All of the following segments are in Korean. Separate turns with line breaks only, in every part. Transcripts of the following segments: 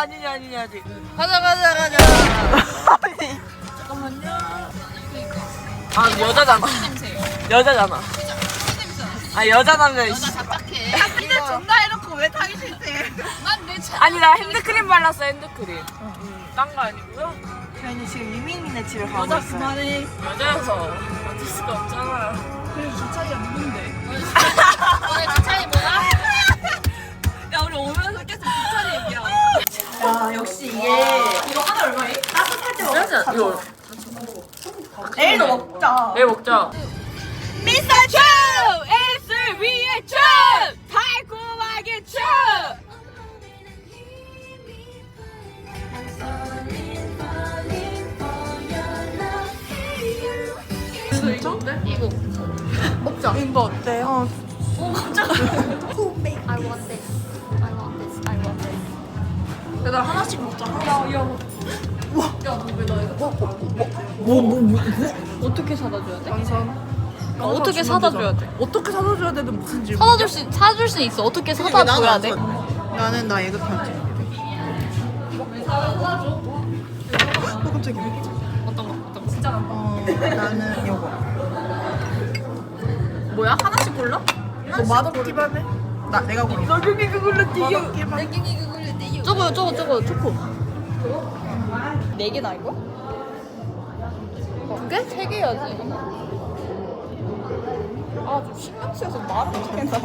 아니냐 아직. 가자. 잠깐만요. 아 여자잖아. 여자잖아. 아 여자라면.
나 답답해.
이제 존나 해놓고 왜 타기 싫대?
난내 차.
아니 나 핸드크림 발랐어 핸드크림. 딴 거 아니고요.
저희는 지금 유민이네 집에 가고
여자
있어요.
그만해. 여자여서 어쩔 수가 없잖아.
오늘 주차이 뭐야?
야 우리 오면서 계속 부천이 얘기야.
야 역시 이게
이거 하나 얼마에?
따뜻할 때
진짜 이거
내일도 먹자.
내일 먹자. 미스터 츄! 에이스 위의 츄! 달콤하게 츄!
진짜?
이거. 먹자.
이거 어때요?
오 깜짝아. I want this. I want this. I want this.
얘들아 하나씩 먹자.
어떻게 사다 줘야 돼?
완성.
어떻게 사다 줘야 돼?
어떻게 사다 줘야 되는 무슨 질문?
사줄 수 있어. 어떻게 사다 줘야 돼?
나는 나 예급 편지. 깜짝이야.
어떤 거? 진짜
나는 요거.
뭐야? 하나씩 골라?
너 맛없기만 해? 내가 고른 거. 맛없기만 해.
저거 초코. 네 개나 이거? 두 개? 세 개야지. 아, 좀 신경 쓰여서 말을 어떻게 했나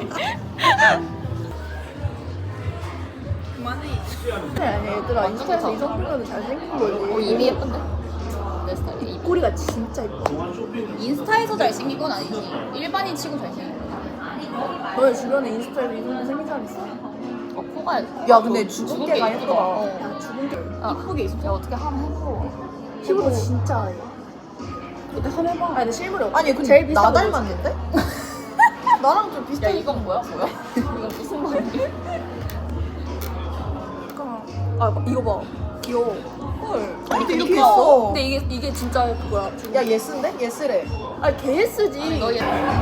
아니 얘들아 인스타에서 이 정도면 잘생긴 거지.
입이 예쁜데? 내 스타일이.
입꼬리가 진짜 예뻐.
인스타에서 잘생긴 건 아니지. 일반인 치고 잘생긴 거.
너의 주변에 인스타에서 이 정도 생긴 사람 있어?
코가.
야 근데 죽은 개가
예쁘다.
예쁘다.
어.
야, 죽은 개
아,
이쁘게 있어.
야, 어떻게 하면 해보고.
피부도 진짜 해. 근데 한번 해봐. 아니 근데 실물이 없어. 아니 근데
제일 비싼
나
거
닮았는데? 나랑 좀
야,
비슷해.
이건 뭐야? 이건 무슨 말이야?
아 이거 봐. 귀여워. 헐. 근데 이렇게
귀여워.
있어.
근데 이게 진짜 그거야.
야 예스인데? 예스래. 아 개예스지.
너 얘.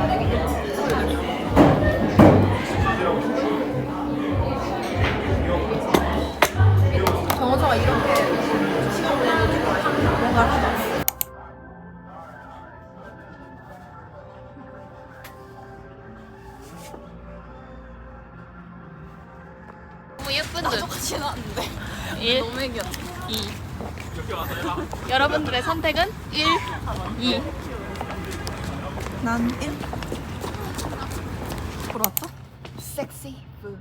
정원서가 이렇게 시간 보내는 뭔가 하다.
너무 예쁜 듯. 똑같이 나왔는데. 1. 너무 애기였다. 2. 여러분들의 선택은 1, 2.
난 1. 보러 왔다?
섹시 푸드.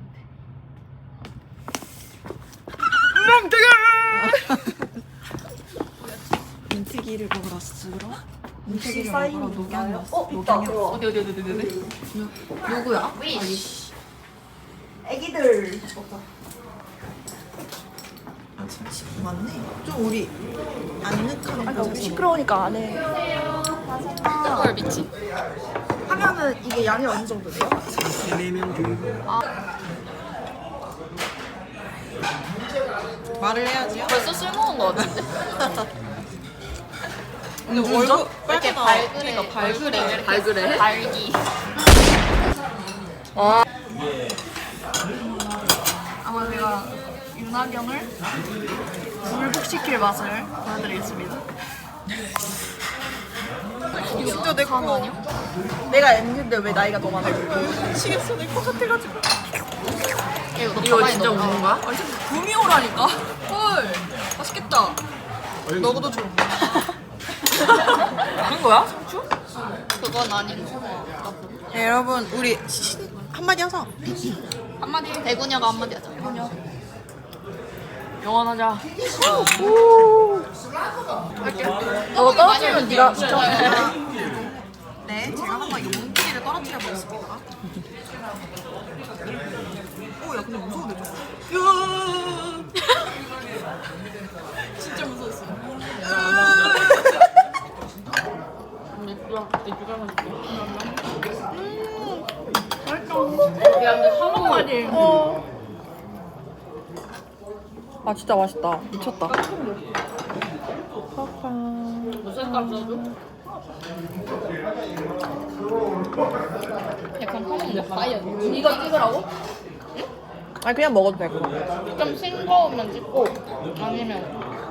민트기를 먹으러 왔으러? 민트기를 먹으러 녹양이 왔어. 녹양이 왔어.
어디. 누구야?
애기들. 아 진짜 맞네. 좀 우리 아늑한 곳에서 시끄러우니까 안 해.
헐 미치.
하면은 이게 양이 어느 정도 돼요? 4명 중. 말을 해야지요?
벌써 술 먹은 거 같은데?
근데 얼굴
이렇게 발그레. 발그레. 발기.
아마 제가 윤하경을 불복시킬 맛을 보여드리겠습니다. 이거 진짜 내 거 아니야? 내가 M인데 왜 나이가 더 많아? 미치겠어 내 거 같아가지고.
이거 진짜 먹는 거야?
아니 진짜 금이 오라니까? 헐 맛있겠다. 너도 줘.
하는 거야?
그건 아니고.
네, 여러분 우리 한마디 하자.
한마디. 대구녀가 한마디 하자.
영원하자.
너 떨어뜨리면 네가
진짜.
네, 제가 한번 용기를 떨어뜨려 보겠습니다. 오, 야, 근데 무서운데 좀.
진짜 무서웠어. 야, 근데 한국말이.
아, 진짜 맛있다. 미쳤다.
무슨 색깔 써줘? 약간 파먹는 파이어. 이거 찍으라고?
아니 그냥 먹어도 되고.
좀 싱거우면 찍고 아니면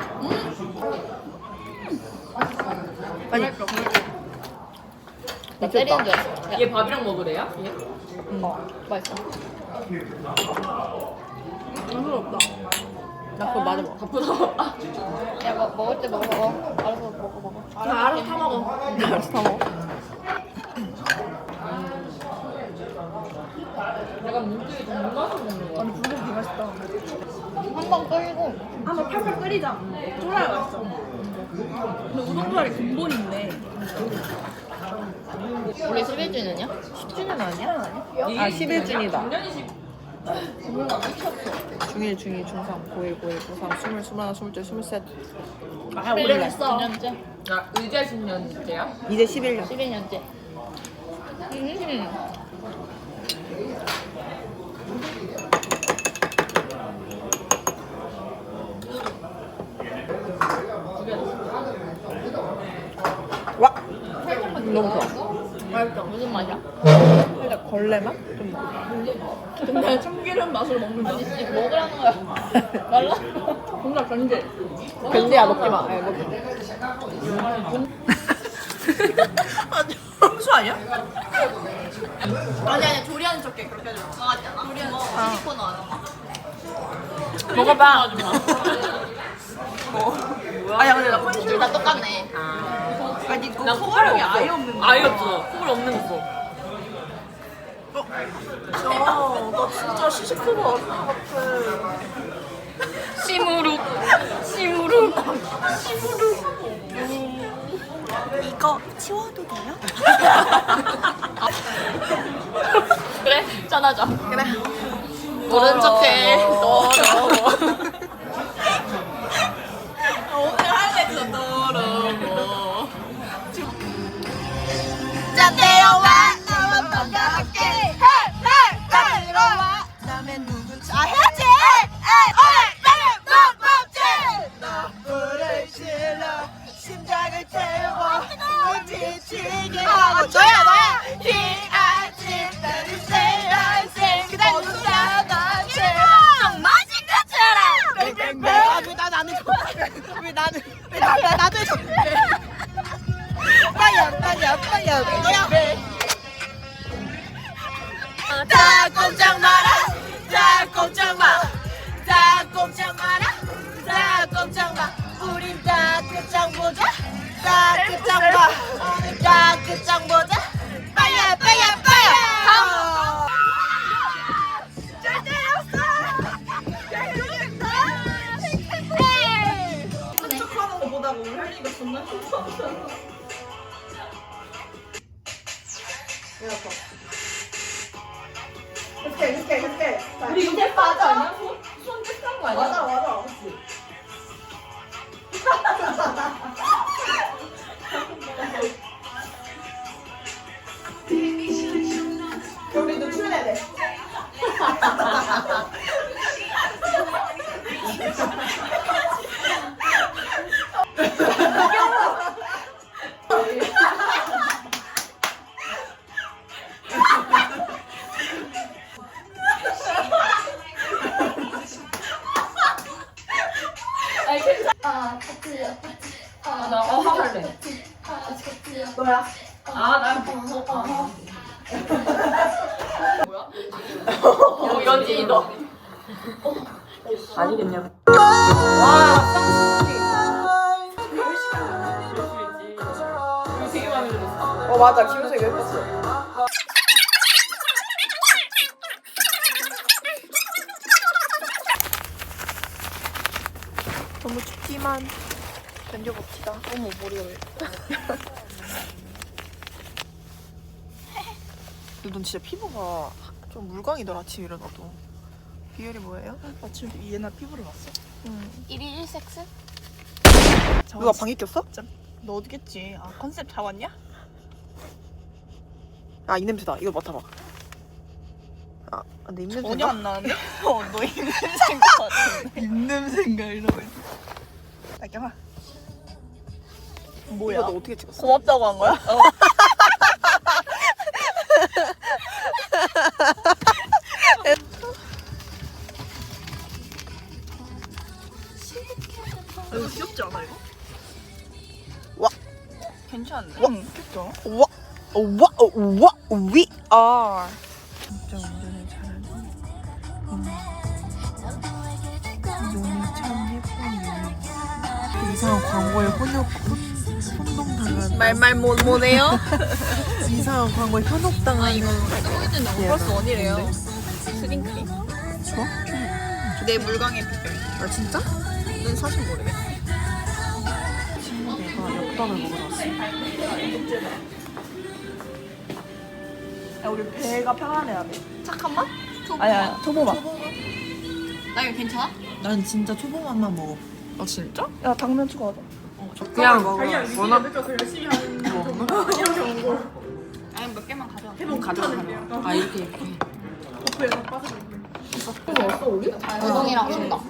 아니
나 때리는 줄 알았어.
얘 밥이랑 먹으래요? 얘?
맛있어.
나 그거 맞아 먹어.
바쁘다.
야, 먹을 때 먹어. 알아서 먹어.
알아서 타 먹어.
알았어 다 먹어.
약간 문득이 좀 무맛으로 먹는 거 같아.
불고기 맛있다.
한번 끓이고
한번 팔팔 끓이자. 쫄아야 맛있어. 근데 우동조합이 근본이 있네.
우리 11주년이야?
10주년 아니야?
이게
11준이다.
작년이
중1, 중2, 중3, 고1, 고1, 고3, 20, 21, 22, 23. 아,
11년 했어. 9년째?
야, 의자 10년째야?
이제 11년.
12년째.
와! 너무 좋아.
맛있어. 무슨 맛이야?
살짝 걸레 맛? 좀 근데 참기름 맛으로 먹는다.
아니, 씨, 먹으라는 거야. 말라?
정답 견제. 견제야 먹지 마. 아니, 먹지 마. 평소 아니야?
아니, 조리하는 척해. 그렇게 하지 마. 강하잖아. 조리하는 척. 시리코너 안 하나.
먹어봐. 아야 근데 나 컨실러.
둘 다 똑같네.
아니 그
난
소화력이 아예 없는 거야.
아예 없어. 콧물 없는 거 써.
나 진짜 시식크가 어디 같아.
시무룩.
이거 치워도 돼요?
그래? 짠하자.
그래.
모른 척해. 더러워.
오늘 하이라이트다 더러워.
짠내려와 나와 반갑게 내려와
남의 누군지
아 해야지
너를 실러 심장을 태워 지치게 하고
너야
희아지 나를 세야생 그대 눈사같이
맛인 것처럼
왜 나도 해줘 빠야 너야 다 꼼짝 마라 다 꼼짝 마라 우린 따뜻장 보자 따뜻장 보자 빠야 잘 때렸어 척하는 거 보다가 우리 할리가 존나 힘들었어 그렇게. 우리 이제 빠져 아니야? 손 떼싼 거 아니야? 맞아. 그치. 우리도 출연해야 돼.
나 화할래.
너야?
난 뭐야? 연진이다.
아니겠냐?
되게 마음에 들었어.
맞아. 김우석이 예뻤어. 너무 춥지만 견뎌봅시다. 어머 머리가 왜? 넌 진짜 피부가 좀 물광이더라. 아침 일어나도. 비율이 뭐예요? 아침 얘나 피부를 봤어? 응.
1일 1섹스?
누가 방귀 꼈어?
너 어디겠지? 아 컨셉 잡았냐?
아 이 냄새다. 이거 맡아봐. 아 근데 입 냄새.
전혀 안 나는데? 너 입냄새인 것 같은데.
입냄새인가 이러고 있어.
나경아
뭐야? 이거 너 어떻게 찍었어?
고맙다고 한 거야?
이거 귀엽지 않아 이거?
와.
괜찮은데?
와.
귀엽죠?
와. We are.
진짜 운전을 잘하는 눈이 참 예쁜 이상한 광고에 혼동당한
말말 못해요?
이상한 광고에 현혹당한
이거 쓰고 있는데 플러스 원이래요. 스링크림.
좋아?
내 물광의 비결.
아 진짜?
넌 사실 모르겠어.
친구가 엽떡을 먹으러 왔어. 야 우리 배가 편안해야 돼.
착한 맛?
아야 초보맛.
나 이거 괜찮아?
난 진짜 초보맛만 먹어.
아 진짜?
야 당면 추가하자.
그냥
먹어.
워낙
아니 몇 개만 가져와.
아 이렇게
우동이랑 준다.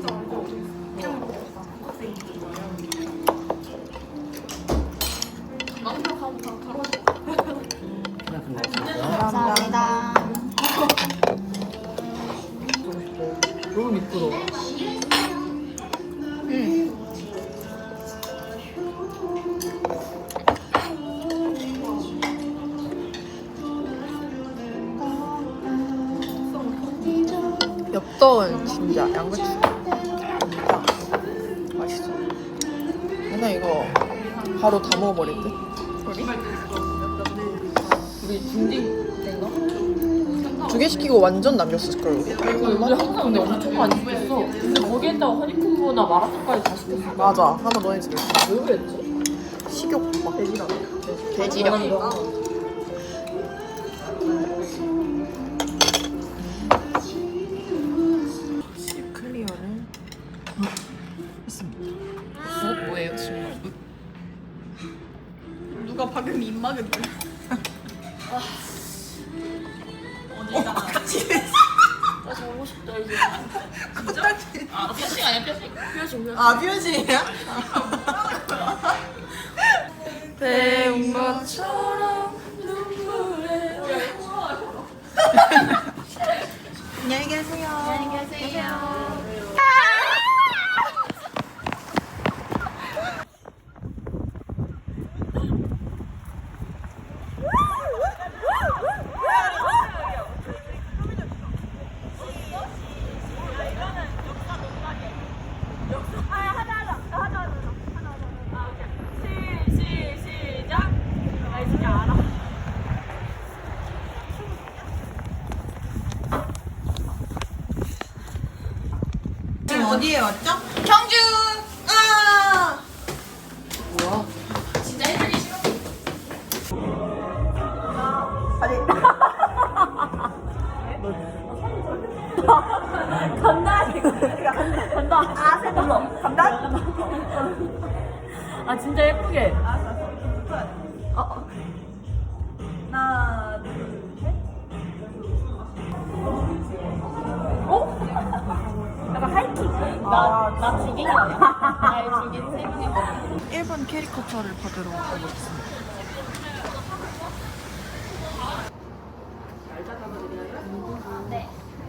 감사합니다.
너무 미끄러워.
엽떡은 진짜 양배추 진짜 맛있어. 맨날 이거 바로 다 먹어버릴 듯.
우리 중딩 된가?
2개 시키고 완전 남겼을 걸.
우리 항상 근데 엄청 많이 시켰어. 근데 거기에다가 허니콤보나 마라탕까지 다 시켰어.
맞아. 하나 넣어야지.
왜 그랬지?
식욕 막 돼지랑.
돼지력.
클리어를 했습니다.
뭐예요 지금?
누가 방금 입막은 줄.
나 자고 싶다 이제.
진짜?
아 피어싱 아니야 피어싱? 피어싱.
아 뷰지야?
배운 것처럼 눈물에.
안녕히 계세요.
안녕히 계세요.
지금 어디에 왔죠? 경주! 아!
뭐야? 아 진짜 예쁘게. 나 지긴 거야. 나 지긴 셈이네.
일본 캐리커처를 받으러 가고 있습니다.
네.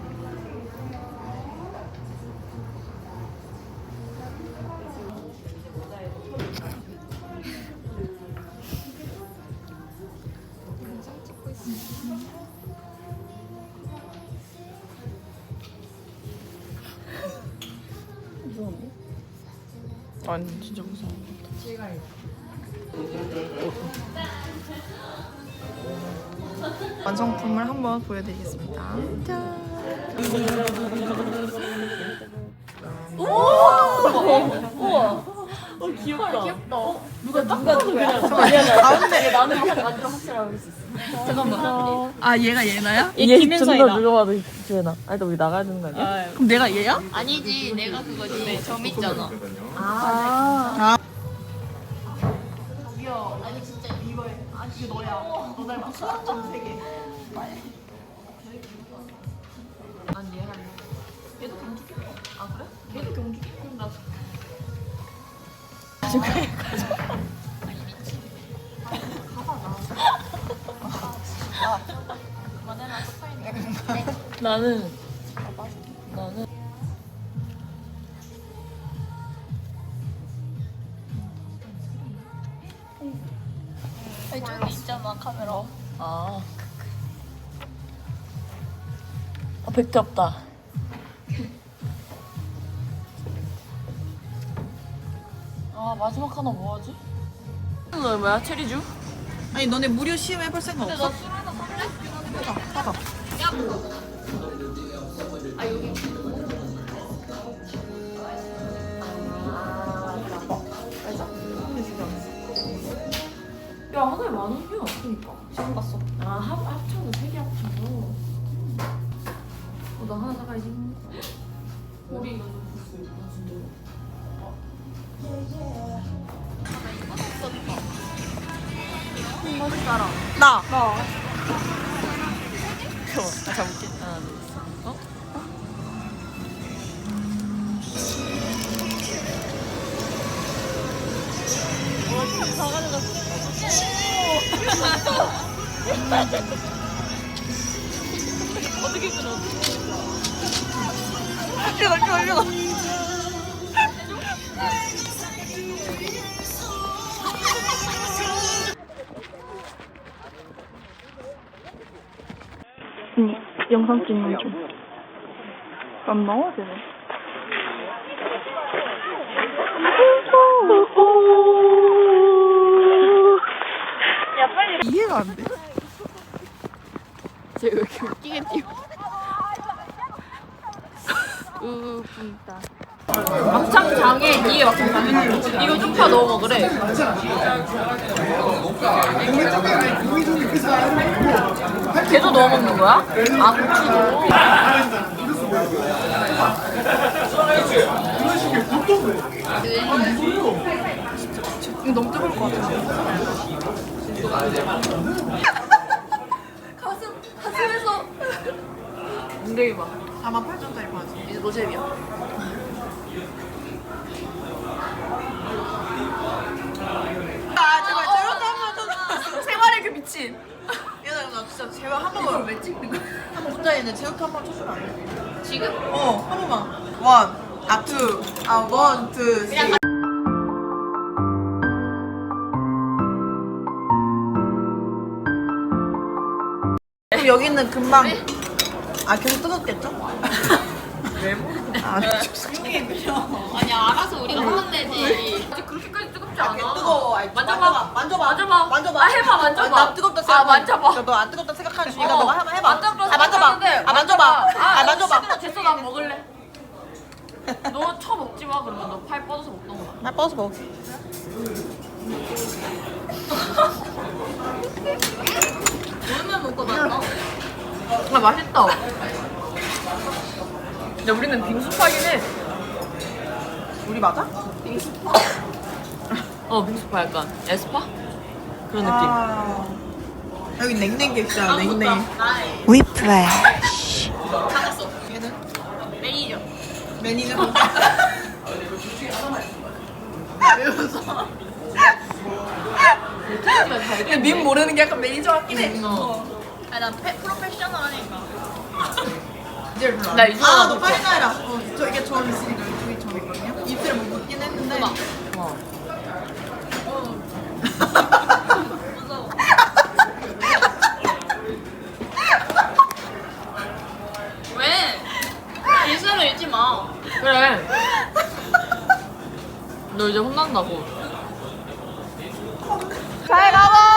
아니 진짜 무서워. 완성품을 한번 보여드리겠습니다. 짠.
귀엽다. 누가 그냥 가운데 나는 완전 확실하고 그럴 수 있어. 잠깐만.
아 얘가 얘나야?
얘 김현성이다. 누가 봐도 주연아. 아니 너 우리 나가야 되는 거 아니야?
그럼 내가 얘야?
아니지, 내가 그거지. 점 있잖아.
아니 진짜 이거에 아니 이게 너야. 너 닮았어. 수학점 3개.
아니 얘 할래.
얘도 경주기. 아 그래? 얘도 경주기. 그럼 나도.
나는
저기 있잖아 카메라.
아. 백대 없다. 아 마지막 하나 뭐하지? 너 뭐야 체리주?
아니 너네 무료 시험 해볼 생각 없어?
술 하나 살래?
사봐.
야 하나에 10,000원이야. 그니까.
지금 봤어.
아 합쳐서 3개 합쳐서. 나 하나 사가야지. 우리 이거 좀 부수. 나 진짜.
나.
나 잡을게. 하나 둘 셋. 어? 어떻게 끊어?
이거. 영상 찍는 중. 안 나와야 되네. 야 빨리. 이해가 안 돼.
쟤 왜 이렇게 웃기게 뛰어? 분다. 막창 장에 이게 막창 장에 이거 쪽파 넣어 먹으래. 걔도 넣어 먹는 거야? 아 고추도.
이거 너무 뜨거울 것 같은데.
가슴에서 엉덩이 봐.
48,000원짜리 바지.
이제 노잼이야.
아 제발 저렇게 한번 좀.
생활의 그 미친.
나 진짜 제발 한 번만. 왜 찍는 거야? 한번 혼자 있는데 제육회 한번 쳐주면 안 돼?
지금?
한 번만. 원, 투, 쓰리. 그럼 여기는 금방 계속 뜨겁겠죠? 왜
아니 알아서 우리가 하면 되지.
아직 그렇게까지 뜨겁지 않아.
뜨거워.
만져봐.
만져봐.
아, 해봐, 만져봐.
나 뜨겁다 생각.
만져봐.
너 안 뜨겁다 생각하는 중이니까 너가 한번 해봐.
만져봐.
만져봐. 만져봐.
됐어, 난 먹을래. 너 처 먹지 마. 그러면 너 팔 뻗어서 먹던가.
나 뻗어서 먹어.
오랜만에 먹고 났다. 아 맛있다. 근데 우리는 빙수파긴 해.
우리 맞아?
빙수파 약간 에스파? 그런 느낌.
여기 냉랭게 있잖아. 냉랭.
찾았어.
얘는
매니저.
매니저.
근데 님 모르는 게 약간 매니저 같긴 해.
아니 난 프로페셔널하니까.
나 이거
너 빨리 나해라. 저 이게 전 있으니까 이쪽이 전 있거든요. 입술에 뭐 묻긴 했는데.
왜? 일상을 잃지 마.
그래. 너 이제 혼난다고.
잘 가봐.